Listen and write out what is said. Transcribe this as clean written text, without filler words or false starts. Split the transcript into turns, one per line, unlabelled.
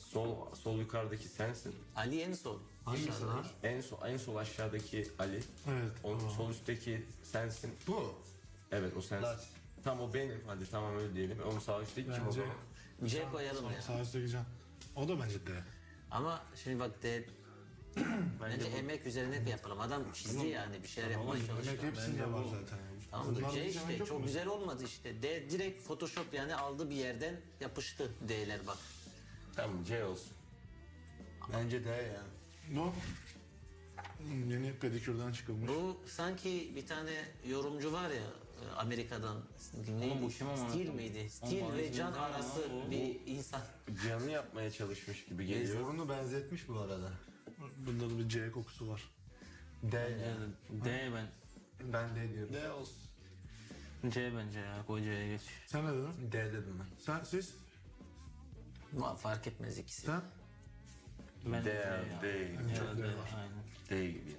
Sol yukarıdaki sensin.
Ali en sol.
Hangisi lan?
En sol aşağıdaki Ali.
Evet.
Sol üstteki sensin.
Bu.
Evet o sensin.
Lars.
Tam o benim. Hadi tamam öyle diyelim. Onun sağ üstteki kim o
Bence
zaman?
C koyalım ya.
sağ üstteki Can. O da bence D.
Ama şimdi bak bence emek üzerine yapalım. Adam çizdi yani bir şeyler yapmaya
Emek
çalışıyor.
hepsinde var zaten.
Tamam da
Bunlarda
C
hiç emek
işte
yok
çok
mu?
güzel olmadı işte. D direkt Photoshop yani aldı bir yerden yapıştı D'ler bak.
Tamam C olsun.
Bence de ya.
Bu yeni pedikürden çıkılmış.
Bu sanki bir tane yorumcu var ya Amerika'dan neydi?
bu kim ama?
Steel miydi? Steel
Ama
ve Can
bizim
arası
ama
bir insan.
Canı yapmaya çalışmış gibi geliyor.
Burnu benzetmiş bu arada.
Bunda da bir C kokusu var.
D ya.
D ben.
Ben D diyorum.
D olsun.
C bence ya. Koy C'ye geç.
Sen ne dedin?
D dedim ben.
Siz?
Fark etmez ikisi.
Sen?
Ben
D,
ya.
D.
Ya, D, aynen.
D gibi.